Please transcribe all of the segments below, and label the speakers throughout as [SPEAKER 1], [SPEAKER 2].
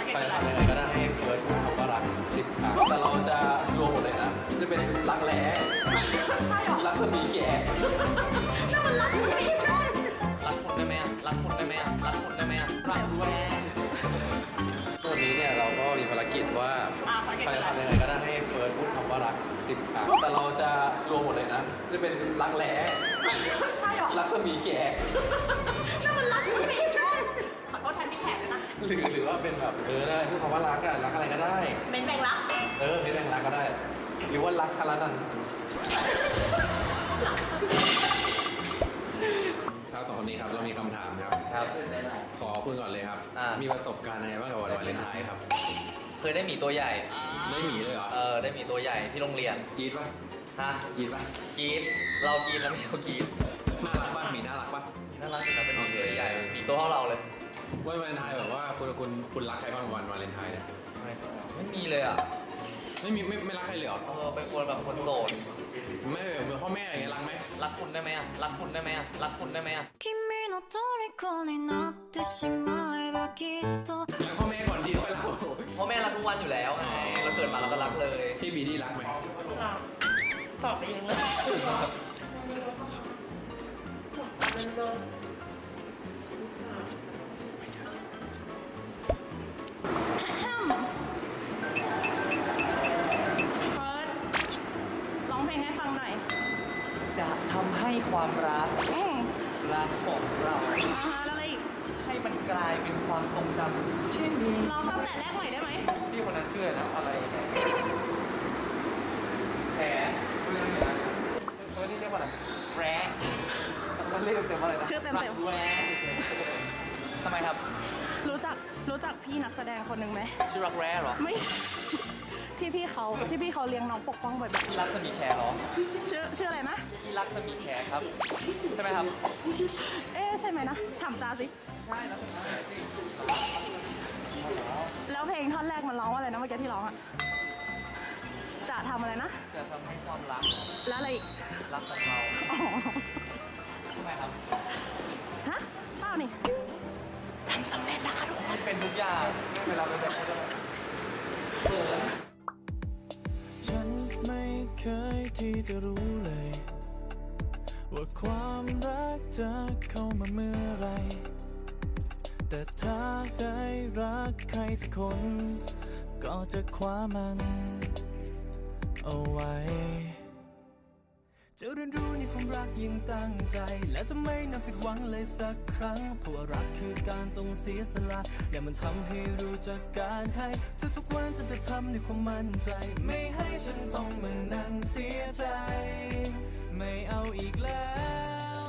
[SPEAKER 1] ไปทำยังไงก็ได้ให้เฟิร์สพูดคำว่ารัก10 ครั้งแต่เราจะรวมหมดเลยนะจะเป็นรักแร้
[SPEAKER 2] ใช่หรอ
[SPEAKER 1] รักสมีแก่
[SPEAKER 2] นั่นมันรักสมีแก่
[SPEAKER 1] รักคุณได้ไหมรักคุณได้ไหมรักคุณได้ไหมรักแร้ตัวนี้เนี่ยเราก็มีภารกิจว่าไปทำยังไงก็ได้ให้เฟิร์สพูดคำว่ารัก10 ครั้งแต่เราจะรวมหมดเลยนะจะเป็นรักแร้
[SPEAKER 2] ใช่หรอ
[SPEAKER 1] รักสมีแก่
[SPEAKER 2] นั่นมันรักสมีแก่ขอโทษแทนพี่แขกนะ
[SPEAKER 1] หรือว่าเป็นแบบได้พูดคำว่ารักอะรักอะไรก็ได้
[SPEAKER 2] เป็นแบ่งรัก
[SPEAKER 1] เป็นแบ่งรักก็ได้ หรือว่ารักคารานันครับต่อคนนี้ครับเรามีคำถามครับขอคุณก่อนเลยครับมีประสบการณ์อะไรบ้างกับวันวาเลนไทน์ครับ
[SPEAKER 3] เคยได้หมีตัวใหญ่
[SPEAKER 1] ได้หมีเลยเหรอ
[SPEAKER 3] ได้หมีตัวใหญ่ที่โรงเรียน
[SPEAKER 1] กรี๊ดป่ะ
[SPEAKER 3] ฮะ
[SPEAKER 1] กรี๊ดป่ะ
[SPEAKER 3] กรี๊ดเรากรี๊ดแล้วไม่เขากรี๊ด
[SPEAKER 1] น่ารักป่ะหมีน่ารักป่ะ
[SPEAKER 3] น่ารักสุดนะเป็นหมีตัวใหญ่หมีตัวเท่าเราเลย
[SPEAKER 1] วันวาเลนไทน์แบบว่าคุณรักใครบ้างวันวาเลนไทน์เนี่ย
[SPEAKER 3] ไม่มีเลยอ่ะ
[SPEAKER 1] ไม่รักใครเลยเหรอ
[SPEAKER 3] เป็นคนแบบคนโสด
[SPEAKER 1] ไม่เหมือนพ่อแม่อะไรเงี้ยรักไหม
[SPEAKER 3] รักคุณได้ไหมอ่ะรักคุณได้ไหมอ่ะรักคุณได้ไหมอ่ะ
[SPEAKER 4] 君の虜になってしまえばきっと
[SPEAKER 1] รักพ่อแม่ก่อนดีค่อยรัก
[SPEAKER 3] พ่อแม่รักทุกวันอยู่แล้วไงเราเกิดมาเราก็รักเลย
[SPEAKER 1] พี่บีดี้รักไหม
[SPEAKER 2] ตอบไปเองเลย
[SPEAKER 3] จะทำให้ความรักของเรา
[SPEAKER 2] แล้วอะไรอีก
[SPEAKER 3] ให้มันกลายเป็นความทรงจำที่ดี
[SPEAKER 2] ร้องตั้งแต่แรกใหม่ได้ไหม
[SPEAKER 3] พี่คนนั้นชื่อนะอะไรไงแผลนี่เรียกว่าอะไรแร้มันเรียกเต็มว่าอะไรนะ
[SPEAKER 2] ชื่อเต็ม
[SPEAKER 3] แร้ทำไมครับ
[SPEAKER 2] รู้จักพี่นักแสดงคนหนึ่งไหม
[SPEAKER 3] ชื่อรักแร้เหรอ
[SPEAKER 2] ไม่ที่พี่เขาเลี้ยงน้องปกป้องบ่อย
[SPEAKER 3] ๆรักสมีแคร์เหรอ
[SPEAKER 2] ชื่ออะไรนะ
[SPEAKER 3] พี่รักสมีแคร์ครับใช่ไหมครับ
[SPEAKER 2] ใช่ไหมนะถามจ้าสิ
[SPEAKER 3] ใช่รักสมีแคร์สิ
[SPEAKER 2] แล้วเพลงท่อนแรกมันร้องว่าอะไรนะเมื่อกี้ที่ร้องอ่ะจะทำอะไรนะ
[SPEAKER 3] จะทำให้ความรัก
[SPEAKER 2] แล้วอะไรอีก
[SPEAKER 3] รักของเราใช่ไหมครับ
[SPEAKER 2] ฮะเปล่านี่ทำสำเร็จนะคะทุกคน
[SPEAKER 3] เป็นทุกอย่างเวลาเป็นแบบ
[SPEAKER 5] ฉันไม่เคยที่จะรู้เลยว่าความรักจะเข้ามาเมื่อไรแต่ถ้าได้รักใครสักคนก็จะคว้ามันเอาไว้จะเรียนรู้ในความรักยิ่งตั้งใจและจะไม่นำผิดหวังเลยสักครั้งเพราะว่ารักคือการต้องเสียสละและมันทำให้รู้จักการให้ทุกๆวันฉันจะทำด้วยความมั่นใจไม่ให้ฉันต้องมานั่งเสียใจไม่เอาอีกแล้ว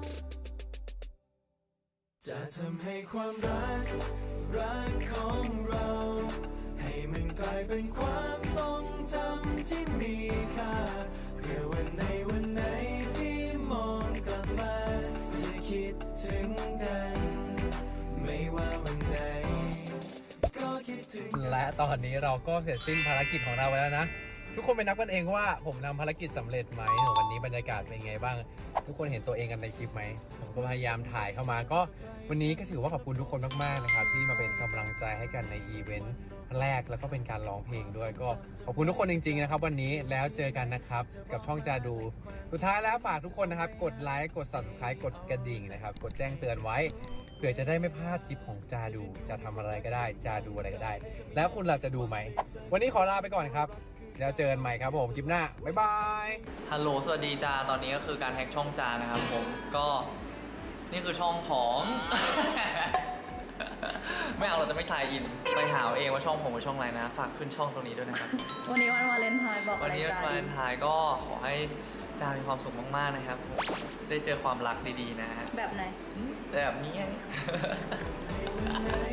[SPEAKER 5] จะทำให้ความรักของเราให้มันกลายเป็นความทรงจำที่มีค่าเพื่อวันไหนที่มองกลับมาจะคิดถึงกันไม่ว่าวันไหนก็คิดถึง
[SPEAKER 1] และตอนนี้เราก็เสร็จสิ้นภารกิจของเราไปแล้วนะทุกคนไปนับกันเองว่าผมทำภารกิจสำเร็จไหมวันนี้บรรยากาศเป็นไงบ้างทุกคนเห็นตัวเองกันในคลิปไหมผมก็พยายามถ่ายเข้ามาก็วันนี้ก็ถือว่าขอบคุณทุกคนมากๆนะครับที่มาเป็นกำลังใจให้กันในอีเวนต์แรกแล้วก็เป็นการร้องเพลงด้วยก็ขอบคุณทุกคนจริงๆนะครับวันนี้แล้วเจอกันนะครับกับช่องจาดูสุดท้ายแล้วฝากทุกคนนะครับกดไลค์กด Subscribe กดกระดิ่งนะครับกดแจ้งเตือนไว้เผื่อจะได้ไม่พลาดคลิปของจาดูจะทำอะไรก็ได้จาดูอะไรก็ได้แล้วคุณเราจะดูไหมวันนี้ขอลาไปก่อนครับแล้วเจอกันใหม่ครับผมคลิปหน้าบ๊ายบาย
[SPEAKER 3] ฮัลโหลสวัสดีจาตอนนี้ก็คือการแฮกช่องจานะครับผมก็นี่คือช่องของ ไม่เอาเราจะไม่ถ่ายอินไปหาเองว่าช่องผมเป็นช่องอะไรนะฝากขึ้นช่องตรงนี้ด้วยนะครับ
[SPEAKER 2] วันนี้วันวาเลนไทน์บอก
[SPEAKER 3] วันนี้วันวาเลนไทน์ก็ขอให้จามีความสุขมากๆนะครับผมได้เจอความรักดีๆนะฮะ
[SPEAKER 2] แบบไหน
[SPEAKER 3] แบบนี้